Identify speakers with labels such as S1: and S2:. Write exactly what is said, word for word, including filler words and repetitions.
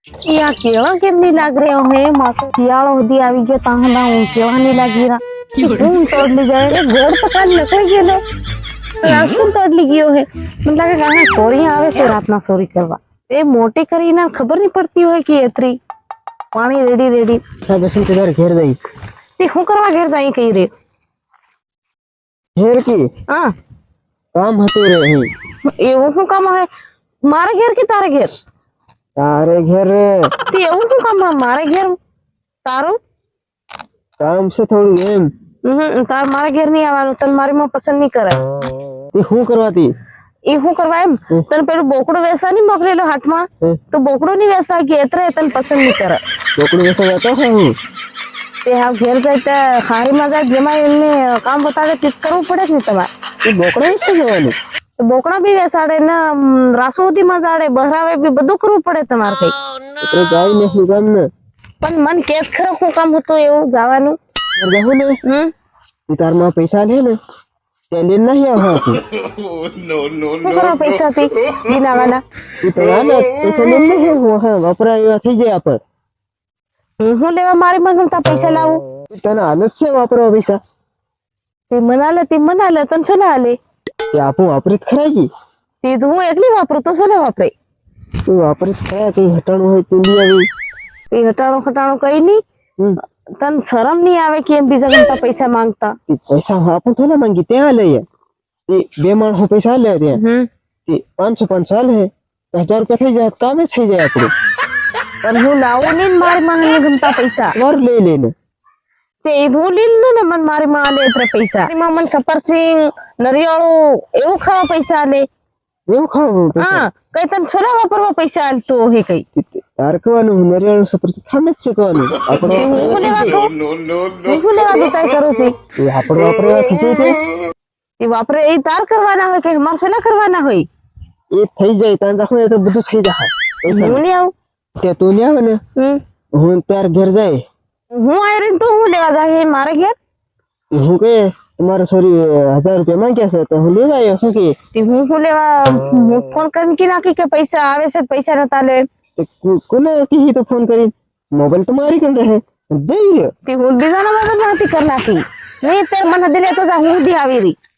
S1: या केवा केम नहीं लाग रहे हो है मासो सियाळो होदी આવી ગયો તાહના હું કેવા નહીં લાગી રહ્યા હું તોડલી જાય ઘોડ પકડ ન કોઈ ગયો રાજકુન તોડલી ગયો હે મને લાગે ગાના ચોરી આવે છે રાતના ચોરી કરવા એ મોટી કરીને ખબર નહીં પડતી હોય કે એતરી પાણી રેડી રેડી
S2: હા બસ ઇંતજાર ઘેર જઈ
S1: તે હું કરવા ઘેર જાય કઈ રે
S2: ઘેર કી
S1: હા
S2: કામ હતું રે અહીં
S1: એવું શું કામ હે મારા ઘેર કે તારા ઘેર
S2: તારે ઘેર રે
S1: તે એવું શું કામ હે મારા ઘેર તારું
S2: કામ છે થોડું એમ
S1: હમ તાર મારા ઘેર નહીં આવવાનું તને મારી માં પસંદ નહીં કરે
S2: તે શું કરવાતી
S1: એ હું કરવા એમ તને પેલું બોકડું વેસવા નહીં મોકલેલો હાથમાં તો બોકડું નહીં વેસવા કે એતરે તને પસંદ નહીં કરે
S2: બોકડું વેસવા જતો હે હું
S1: તે હા ઘેર જાય તે હારીમાં જાય જેમાં એમને કામ બતાવે તે કરવું પડે ને તમારે
S2: એ બોકડો વેચવા જવાનું
S1: બોકડા બી વેસાડે ને રાસોદીમાં જાડે બહરાવે બી બધું કરવું પડે તમારે કઈ
S2: એટલે જાય ને શું કામ ને
S1: પણ મન કેસ ખરો શું કામ હતું એવું ગાવાનું
S2: જવું ને
S1: હમ
S2: તાર માં પૈસા લે ને તે લઈને નહીં આવવા
S1: શું કરવા પૈસા થી દિનાવાના
S2: તું તો આને પૈસા લઈને નહીં આવવા હા વપરાય એવા થઈ જાય આપણ
S1: હું હું લેવા મારી માં પૈસા લાવું
S2: તને હાલત છે વાપરવા પૈસા
S1: તે મનાલે તે મનાલે તને શું ના હાલે
S2: તે આપણું વાપરી જ ખરા કી
S1: તે તો હું એકલી વાપરું તો શું વાપરે
S2: તું વાપરી જ ખરા કઈ હટાણું હોય તું લઈ આવી
S1: એ હટાણું ખટાણું કઈ નહીં તને શરમ નહીં આવે કે એમ બીજા ગમતા પૈસા માંગતા
S2: પૈસા આપું થોડા માંગી ત્યાં લઈએ તે બે માણસો પૈસા લે ત્યાં
S1: હમ
S2: તે પાંચસો પાંચસો હાલે હજાર રૂપિયા થઈ જાય કામે થઈ જાય આપણું
S1: પણ હું લાવું નહીં મારી માં ગમતા પૈસા
S2: વાર લઈ લઈને
S1: તે હું લીધું ને મને મારી માં આલે એટલે પૈસા મારી માં મને સફરસિંગ નરિયાળું એવું ખાવા પૈસા આલે
S2: એવું ખાવું
S1: હા કઈ તને છોલા વાપરવા પૈસા આલતો હે કઈ
S2: તાર કહેવાનું નરિયાળું સફર ખામે જ શીખવાનું આપણો
S1: હું લેવા કહું હું લેવા દો કઈ કરું છું
S2: આપણો વાપરે એવા થઈ જાય
S1: એ વાપરે એ તાર કરવાના હોય કે મારે છોલા કરવાના હોય
S2: એ થઈ જાય તાર રાખો તો બધું થઈ જાય
S1: હું નહીં આવું
S2: તે તું નહીં આવે ને
S1: હમ
S2: હું તાર ઘેર જાય
S1: હું આવી રહી તો હું લેવા જાય મારે ઘેર
S2: હું કે તમારે સોરી હજાર રૂપિયા માંગ્યા છે તો હું લેવા આવ્યો શું કે
S1: હું હું લેવા હું ફોન કરીને કી નાખી કે પૈસા આવે છે પૈસા નતા લે
S2: કોને કી તો ફોન કરી મોબાઈલ તો મારી કન રહે જઈ રહ્યો
S1: તે હું બીજાના મોબાઈલ નથી કરી નાખી નહીં તે મને દિલે તો જા હું દી આવી રહી